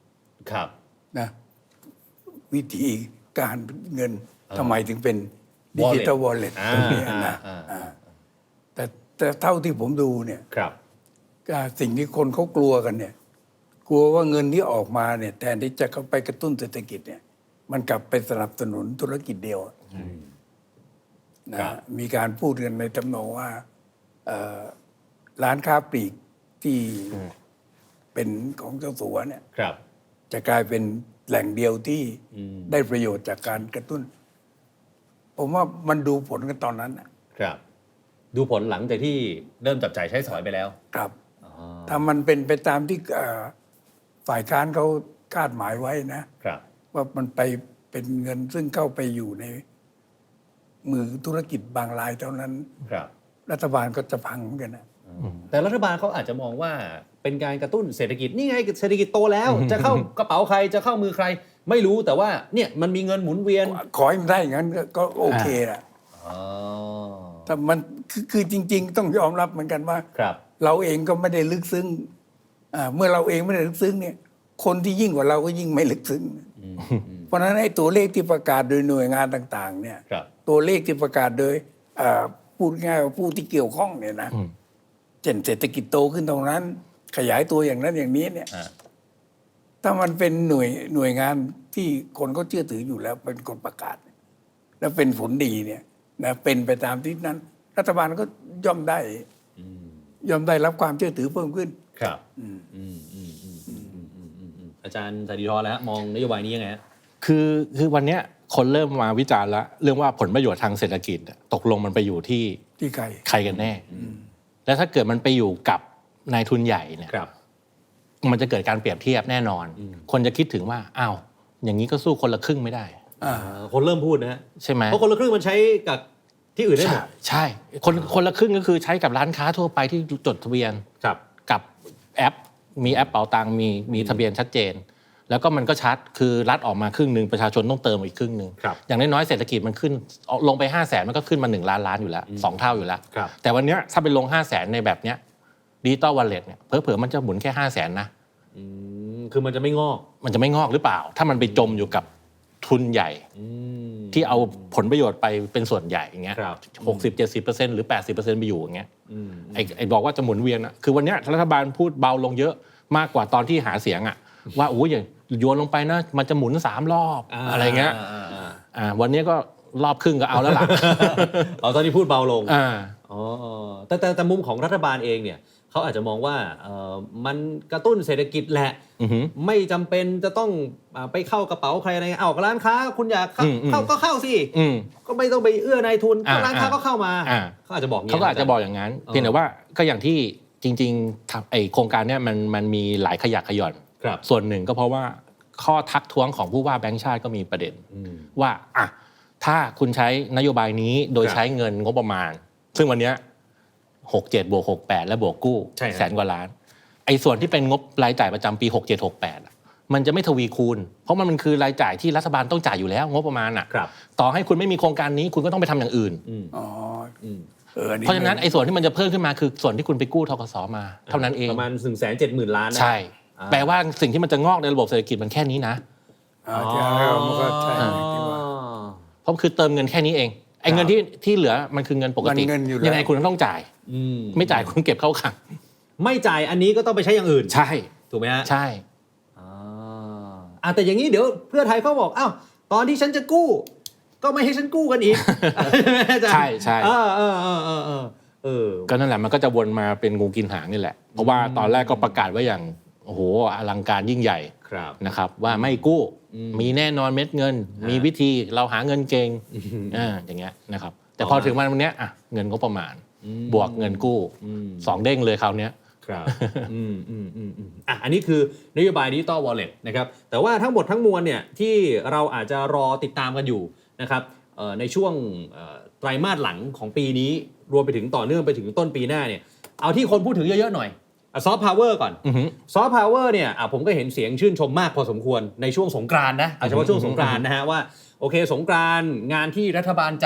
Speaker 1: ครับ
Speaker 3: นะวิธีการเงินทำไมถึงเป็นดิจิตอลวอลเล็ต
Speaker 1: อ่า
Speaker 3: ตรงนี้นะ
Speaker 1: อ่า
Speaker 3: อ่าแต่แต่เท่าที่ผมดูเนี่ย
Speaker 1: ครับ
Speaker 3: อ่าสิ่งที่คนเขากลัวกันเนี่ย กลัวว่าเงินที่ออกมาเนี่ยแทนที่จะเข้าไปกระตุ้นเศรษฐกิจเนี่ย มันกลับไปสนับสนุนธุรกิจเดียวนะมีการพูดกันในทำนองว่าเอ่อร้านค้าปลีกที่เป็นของเจ้าสัวเนี่ย
Speaker 1: ครับ
Speaker 3: จะกลายเป็นแหล่งเดียวที่ได้ประโยชน์จากการกระตุ้น ผมว่ามันดูผลกันตอนนั้นนะครับ
Speaker 1: ดูผลหลังจากที่เริ่มจับจ่ายใช้สอยไปแล้ว
Speaker 3: ครับถ้ามันเป็นไปตามที่เอ่อฝ่ายค้านเขาคาดหมายไว้นะ
Speaker 1: ครับ
Speaker 3: ว่ามันไปเป็นเงินซึ่งเข้าไปอยู่ในมือธุรกิจบางรายเท่านั้น
Speaker 1: ครับ
Speaker 3: รัฐบาลก็จะพังเหมือนกันนะ
Speaker 1: แต่รัฐบาลเขาอาจจะมองว่าเป็นการกระตุ้นเศรษฐกิจนี่ไงเศรษฐกิจโตแล้ว จะเข้ากระเป๋าใครจะเข้ามือใคร ไม่รู้แต่ว่าเนี่ยมันมีเงินหมุนเวียน
Speaker 3: ขอให้มันได้อย่างนั้นก็ก็โอเคแหละ
Speaker 1: อ๋อ
Speaker 3: แต่มันคือคือจริง ๆ ต้องยอมรับเหมือนกันว่า
Speaker 1: ครับ
Speaker 3: เราเองก็ไม่ได้ลึกซึ้งอ่าเมื่อเราเองไม่ได้ลึกซึ้งเนี่ย คนที่ยิ่งกว่าเราก็ยิ่งไม่ลึกซึ้งเพราะฉะนั้นไอ้ตัวเลขที่ประกาศโดยหน่วยงานต่าง ๆ เนี่ย
Speaker 1: ครับ
Speaker 3: ตัวเลขที่ประกาศโดยอ่าพูดง่ายว่าผู้ที่เกี่ยวข้องเนี่ยนะเช่นเศรษฐกิจโตขึ้นตรงนั้น ขยายตัวอย่างนั้นอย่างนี้เนี่ย
Speaker 1: อ่า
Speaker 3: ถ้ามันเป็นหน่วยหน่วยงานที่คนก็เชื่อถืออยู่แล้วเป็นคนประกาศ แล้วเป็นผลดีเนี่ยนะเป็นไปตามที่นั้น รัฐบาลก็ย่อมได้ย่อมได้รับความเชื่อถือเพิ่มขึ้น
Speaker 1: ครับอืมอืมอืมอืมอืมอืมอืมอืมอืมอาจารย์สาธิธรแล้วฮะมองนโยบายนี้ยังไงฮะ
Speaker 2: คือคือวันเนี้ยคนเริ่มมาวิจารณ์แล้วเรื่องว่าผลประโยชน์ทางเศรษฐกิจอะตกลงมันไปอยู่ที่
Speaker 3: ที่ใคร
Speaker 2: ใครกันแน่ แล้วถ้าเกิดมันไปอยู่กับนายทุนใหญ่เนี่ย
Speaker 1: ครับ
Speaker 2: มันจะเกิดการเปรียบเทียบแน่นอน คนจะคิดถึงว่าอ้าวอย่างนี้ก็สู้คนละครึ่งไม่ได้
Speaker 3: อ่า
Speaker 1: คนเริ่มพูดนะฮะ
Speaker 2: ใช่ไหม
Speaker 1: เพราะคนละครึ่งมันใช้กับที่อื่นได้หม
Speaker 2: ใช่
Speaker 1: ด
Speaker 2: ใช่คนคนละครึ่งก็คือใช้กับร้านค้าทั่วไปที่จดทะเบียน
Speaker 1: ครับ
Speaker 2: กับแอป มีแอปเป๋าตังค์มีมีทะเบียนชัดเจน แล้วก็มันก็ชัดคือรัฐออกมาครึ่งหนึ่งประชาชนต้องเติมอีกครึ่งหนึ่ง
Speaker 1: ครับ
Speaker 2: อย่างน้อยๆเศรษฐกิจมันขึ้นลงไปห้าแสนมันก็ขึ้นมาหนึ่งล้านล้านอยู่แล้วสองเท่าอยู่แล้ว
Speaker 1: ครับ
Speaker 2: แต่วันเนี้ยถ้าไปลงห้าแสนในแบบเนี้ยดิจิตอลวอลเล็ตเนี่ยเผลอๆมันจะหมุนแค่ห้าแสนนะ
Speaker 1: อืมคือมันจะไม่งอก
Speaker 2: มันจะไม่งอกหรือเปล่า ถ้ามันไปจมอยู่กับทุนใหญ่
Speaker 1: อืม
Speaker 2: ที่เอาผลประโยชน์ไปเป็นส่วนใหญ่อย่างเงี้ย
Speaker 1: ครับ
Speaker 2: หกสิบเจ็ดสิบเปอร์เซ็นต์หรือแปดสิบเปอร์เซ็นต์ไปอยู่อย่างเงี้ย
Speaker 1: อืม
Speaker 2: ไอ้ไอ้บอกว่าจะหมุนเวียนอ่ะคือวันเนี้ยรัฐบาลพูดเบาลงเยอะมากกว่าตอนที่หาเสียงอ่ะว่าโอ้ยอย่าโยนลงไปนะมันจะหมุนสามรอบอะไรเงี้ย
Speaker 1: อ่าอ่า
Speaker 2: อ่าวันนี้ก็รอบครึ่งก็เอาแล้วล่ะ
Speaker 1: เอาตอนนี้พูดเบาลง
Speaker 2: อ่า
Speaker 1: อ๋อแต่แต่แต่มุมของรัฐบาลเองเนี่ยเขาอาจจะมองว่าเอ่อมันกระตุ้นเศรษฐกิจแหละ
Speaker 2: อือหือ
Speaker 1: ไม่จำเป็นจะต้องอ่าไปเข้ากระเป๋าใครอะไรเงี้ยเอาร้านค้าคุณอยากเข้า
Speaker 2: อืมอืม
Speaker 1: เข้าก็เข้าสิ
Speaker 2: อืม
Speaker 1: ก็ไม่ต้องไปเอื้อนายทุน
Speaker 2: อ่า
Speaker 1: ก็ร้านค้าก็เข้ามา
Speaker 2: อ่า
Speaker 1: เขาอาจจะบอกงี้
Speaker 2: เขาก็อาจจะบอกอย่างนั้น
Speaker 1: เออ
Speaker 2: เพียงแต่ว่าก็อย่างที่จริงๆทำไอโครงการเนี้ยมันมันมีหลายขยักขย่อน
Speaker 1: ครับ
Speaker 2: ส่วนหนึ่งก็เพราะว่าข้อทักท้วงของผู้ว่าแบงก์ชาติก็มีประเด็น
Speaker 1: อืม
Speaker 2: ว่าอ่ะถ้าคุณใช้นโยบายนี้โดย
Speaker 1: ครับ
Speaker 2: ใช้เงินงบประมาณ ซึ่งวันเนี้ยหกเจ็ดบวกหกแปดและบวกกู้
Speaker 1: ใช่ครับ
Speaker 2: แสนกว่าล้านไอ้ส่วนที่เป็นงบรายจ่ายประจำปีหกเจ็ดหกแปดมันจะไม่ทวีคูณ เพราะมันมันคือรายจ่ายที่รัฐบาลต้องจ่ายอยู่แล้วงบประมาณอ่ะ
Speaker 1: ครับ
Speaker 2: ต่อให้คุณไม่มีโครงการนี้คุณก็ต้องไปทำอย่างอื่น
Speaker 1: อืม
Speaker 3: อ๋อ
Speaker 1: อืม
Speaker 3: เอออั
Speaker 2: เพราะฉะนั้นไอ้ส่วนที่มันจะเพิ่มขึ้นมาคือส่วนที่คุณไปกู้ธกสมาเท่านั้นเอง
Speaker 1: ประมาณหนึ่งแสนเจ็ดหมื่นล้านนะ
Speaker 2: ใช่
Speaker 1: อ่า
Speaker 2: แปลว่าสิ่งที่มันจะงอกในระบบเศรษฐกิจมันแค่นี้นะ
Speaker 3: อ่าใช่มันก็ใช่อย่างที่ว่า
Speaker 2: เพราะคือเติมเงินแค่นี้เองไอ้เงินที่ที่เหลือมันคือเงินปกติ
Speaker 3: มันเงินอยู่แล้ว
Speaker 2: ยังไงคุณก็ต้องจ่าย
Speaker 1: อืม
Speaker 2: ไม่จ่ายคุณเก็บเข้าขัง
Speaker 1: ไม่จ่ายอันนี้ก็ต้องไปใช้อย่างอื่น
Speaker 2: ใช่
Speaker 1: ถูกไหมฮะ
Speaker 2: ใช่
Speaker 1: อ่าอ่ะแต่อย่างนี้เดี๋ยวเพื่อไทยเขาบอกอ้าวตอนที่ฉันจะกู้ ก็ไม่ให้ฉันกู้กันอีก
Speaker 2: ใช่ใช่
Speaker 1: เออเออเออเออเออเออ
Speaker 2: ก็นั่นแหละมันก็จะวนมาเป็นงูกินหางนี่แหละ เพราะว่าตอนแรกก็ประกาศไว้อย่างโอ้โหอลังการยิ่งใหญ่
Speaker 1: ครับ
Speaker 2: นะครับว่าไม่กู้
Speaker 1: อืม
Speaker 2: มีแน่นอนเม็ดเงิน
Speaker 1: ฮะ
Speaker 2: มีวิธีเราหาเงินเก่งอ่าอย่างเงี้ยนะครับแต่พอถึงวันเนี้ยอ่ะเงินก็ประมาณ
Speaker 1: อืม
Speaker 2: บวกเงินกู้
Speaker 1: อืม
Speaker 2: สองเด้งเลยคราวเนี้ย
Speaker 1: ครับ อืมอืมอืมอืมอ่ะอันนี้คือนโยบายดิจิตอลวอลเล็ตนะครับแต่ว่าทั้งหมดทั้งมวลเนี่ยที่เราอาจจะรอติดตามกันอยู่นะครับเอ่อในช่วงเอ่อไตรมาสหลังของปีนี้รวมไปถึงต่อเนื่องไปถึงต้นปีหน้าเนี่ยเอาที่คนพูดถึงเยอะๆหน่อยซอฟต์พาวเวอร์ก่อน
Speaker 2: อือหือ
Speaker 1: ซอฟต์พาวเวอร์เนี่ยอ่ะผมก็เห็นเสียงชื่นชมมากพอสมควรในช่วงสงกรานต์นะเอาเฉพาะช่วงสงกรานต์นะฮะว่าโอเคสงกรานต์งานที่รัฐบาลจัด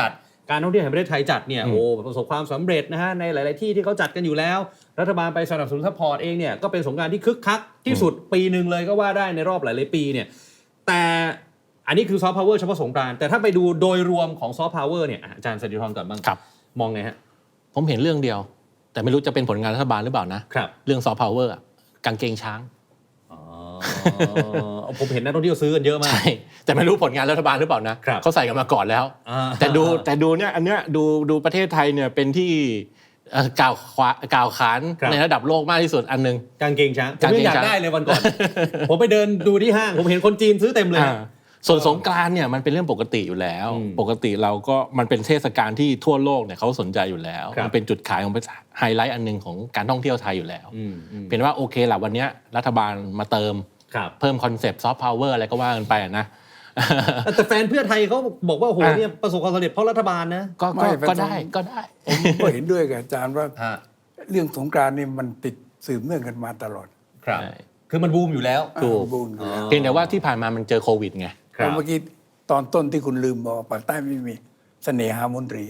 Speaker 1: การท่องเที่ยวแห่งประเทศไทยจัดเนี่ยโอ้ประสบความสำเร็จนะฮะในหลาย ๆ ที่ที่เขาจัดกันอยู่แล้วรัฐบาลไปสนับสนุนซัพพอร์ตเองเนี่ยก็เป็นสงกรานต์ที่คึกคักที่สุดปีหนึ่งเลยก็ว่าได้ในรอบหลาย ๆ ปีเนี่ยแต่อันนี้คือซอฟต์พาวเวอร์เฉพาะสงกรานต์แต่ถ้าไปดูโดยรวมของซอฟต์พาวเวอร์เนี่ยอาจารย์สนติธรก่อนบ้าง
Speaker 2: ครับ
Speaker 1: มองไงฮะ
Speaker 2: ผมเห็นเรื่องเดียวแต่ไม่รู้จะเป็นผลงานรัฐบาลหรือเปล่านะครับเรื่องซอฟต์พาวเวอร์กางเกงช้าง
Speaker 1: อ๋อผมเห็นนักท่องเที่ยวซื้อกันเยอะมาก
Speaker 2: ใช่แต่ไม่รู้ผลงานรัฐบาลหรือเปล่านะเขาใส่กันมาก่อนแล้วแต่ดูแต่ดูเนี่ยอันเนี้ยดูดูประเทศไทยเนี่ยเป็นที่กล่าวกล่าวขานในระดับโลกมากที่สุดอันนึง
Speaker 1: กางเกงช้างผมอยากได้เลยวันก่อน ผมไปเดินดูที่ห้างผมเห็นคนจีนซื้อเต็มเลย
Speaker 2: ส่วนสงกรานต์เนี่ยมันเป็นเรื่องปกติอยู่แล้วปกติเราก็มันเป็นเทศกาลที่ทั่วโลกเนี่ยเขาสนใจอยู่แล้วมันเป็นจุดขายของไฮไลท์อันนึงของการท่องเที่ยวไทยอยู่แล้วเป็นว่าโอเคแหละวันนี้รัฐบาลมาเติมเพิ่มคอนเซปต์ซอฟต์พาวเวอร์อะไรก็ว่ากันไปนะ
Speaker 1: แต่แฟนเพื่อไทยเขาบอกว่าโอ้โหเนี่ยประสบความสำเร็จเพราะรัฐบาลนะ
Speaker 2: ก็ก็ได้ก็ได้
Speaker 3: ผมก็เห็นด้วยกับอาจารย์ว่าเรื่องสงกรานต์นี่มันติดสืบเนื่องกันมาตลอด
Speaker 1: ครับคือมันบูมอยู่แล้ว
Speaker 2: ถูกเพียงแต่ว่าที่ผ่านมามันเจอโควิดไง
Speaker 3: เมื่อกี้ตอนต้นที่คุณลืมบอกปากใต้ไม่มีเสน่หามนตรี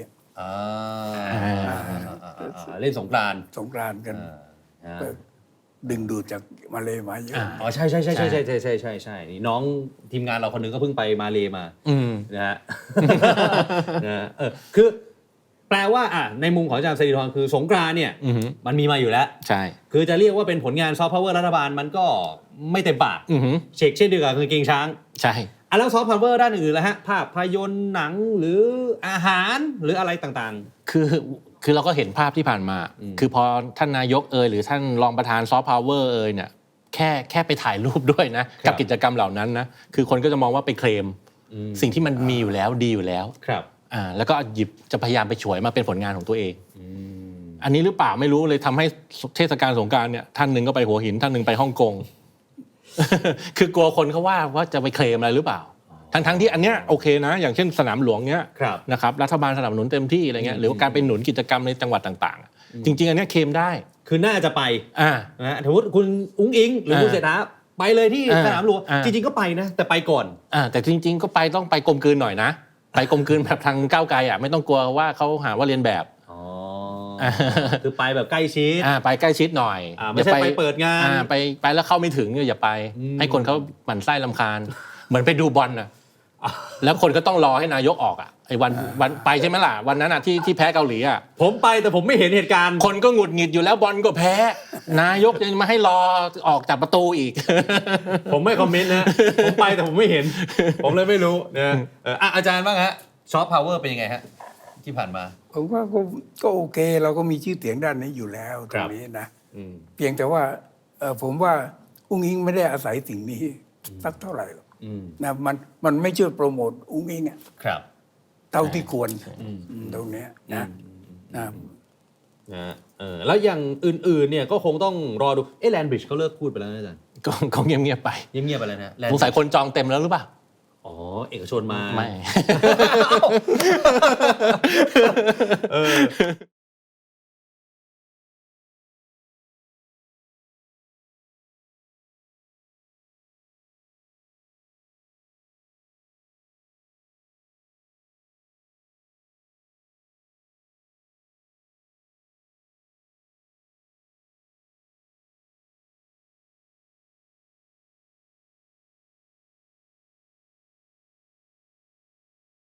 Speaker 1: เล่นสงกรานต์
Speaker 3: สงกรานต์กันดึงดูดจากมาเลมาเยอะ
Speaker 1: อ๋อใช่ใช่ใช่ใช่ใช่ใช่ใช่ใช่ใช่นี่น้องทีมงานเราคนนึงก็เพิ่งไปมาเลมานะฮะนะเออคือแปลว่าอ่ะในมุมของอาจารย์สรีธรคือสงกรานต์เนี่ยมันมีมาอยู่แล้ว
Speaker 2: ใช่
Speaker 1: คือจะเรียกว่าเป็นผลงานซอฟต์พาวเวอร์รัฐบาลมันก็ไม่เต็มปากเชกเช่นเดียวกับกางเกงช้าง
Speaker 2: ใช่
Speaker 1: อ่ะแล้วซอฟต์พาวเวอร์ด้านอื่นแล้วฮะภาพยนตร์หนังหรืออาหารหรืออะไรต่าง
Speaker 2: ๆคือคือเราก็เห็นภาพที่ผ่านมาคือพอท่านนายกเอ่ยหรือท่านรองประธานซอฟต์พาวเวอร์เอ่ยเนี่ยแค่แค่ไปถ่ายรูปด้วยนะกับกิจกรรมเหล่านั้นนะคือคนก็จะมองว่าไปเคลมสิ่งที่มันมีอยู่แล้วดีอยู่แล้ว
Speaker 1: ครับ
Speaker 2: อ่าแล้วก็หยิบจะพยายามไปฉวยมาเป็นผลงานของตัวเองอันนี้หรือเปล่าไม่รู้เลยทำให้เทศกาลสงกรานต์เนี่ยท่านหนึ่งก็ไปหัวหินท่านหนึ่งไปฮ่องกง คือกลัวคนเขาว่าว่าจะไปเคลมอะไรหรือเปล่าทั้งทั้งที่อันเนี้ยโอเคนะอย่างเช่นสนามหลวงเนี้ยนะครับรัฐบาลสนับสนุนเต็มที่อะไรเงี้ยหรือว่าการไปหนุนกิจกรรมในจังหวัดต่างๆจริงๆอันเนี้ยเคลมได้
Speaker 1: คือน่าจะไป
Speaker 2: อ่า
Speaker 1: นะสมมติคุณอุ้งอิงหรือคุณเศรษฐาไปเลยที่สนามหลวงจริงๆก็ไปนะแต่ไปก่อน
Speaker 2: อ่าแต่จริงๆก็ไปต้องไปกลมกลืนหน่อยนะไปกลมกลืนแบบทางก้าวไกลอ่ะไม่ต้องกลัวว่าเขาหาว่าเรียนแบบ
Speaker 1: อ๋อคือไปแบบใกล้ชิด
Speaker 2: อ่าไปใกล้ชิดหน่อย
Speaker 1: ไม่ใช่ไปเปิดงาน
Speaker 2: อ่าไปไปแล้วเข้าไม่ถึงอย่าไปให้คนเขาหมั่นไส้รำคาญเหมือนไปดูบอลน่ะแล้วคนก็ต้องรอให้นายกออกอ่ะไอ้วันวันไปใช่ไหมล่ะวันนั้นอ่ะที่ที่แพ้เกาหลีอ่ะ
Speaker 1: ผมไปแต่ผมไม่เห็นเหตุการณ์
Speaker 2: คนก็หงุดหงิดอยู่แล้วบอลก็แพ้นายกยังมาให้รอออกจากประตูอีก
Speaker 1: ผมไม่คอมเมนต์นะผมไปแต่ผมไม่เห็นผมเลยไม่รู้นะอ่ะอาจารย์บ้างฮะซอฟต์พาวเวอร์เป็นยังไงฮะที่ผ่านมา
Speaker 3: ผมว่าก็ก็โอเคเราก็มีชื่อเสียงด้านนี้อยู่แล้วตรงนี้นะเพียงแต่ว่าผมว่าอุ้งอิงไม่ได้อาศัยสิ่งนี้สักเท่าไหร่นะมันมันไม่ช่วยโปรโมทอุ้งอิงอ่ะ
Speaker 1: ครับ
Speaker 3: เท่าที่ควรตรงนี้นะนะ
Speaker 1: นะเออแล้วอย่างอื่นๆเนี่ยก็คงต้องรอดูเอ๊ะแลนบริดจ์เขาเลิกพูดไปแล้วนะอาจารย์
Speaker 2: ก็เขาเงียบๆไป
Speaker 1: เงียบๆไปแล้วนะ
Speaker 2: สงสัยคนจองเต็มแล้วหรือเปล่า
Speaker 1: อ๋อเอกชนมา
Speaker 2: ไม่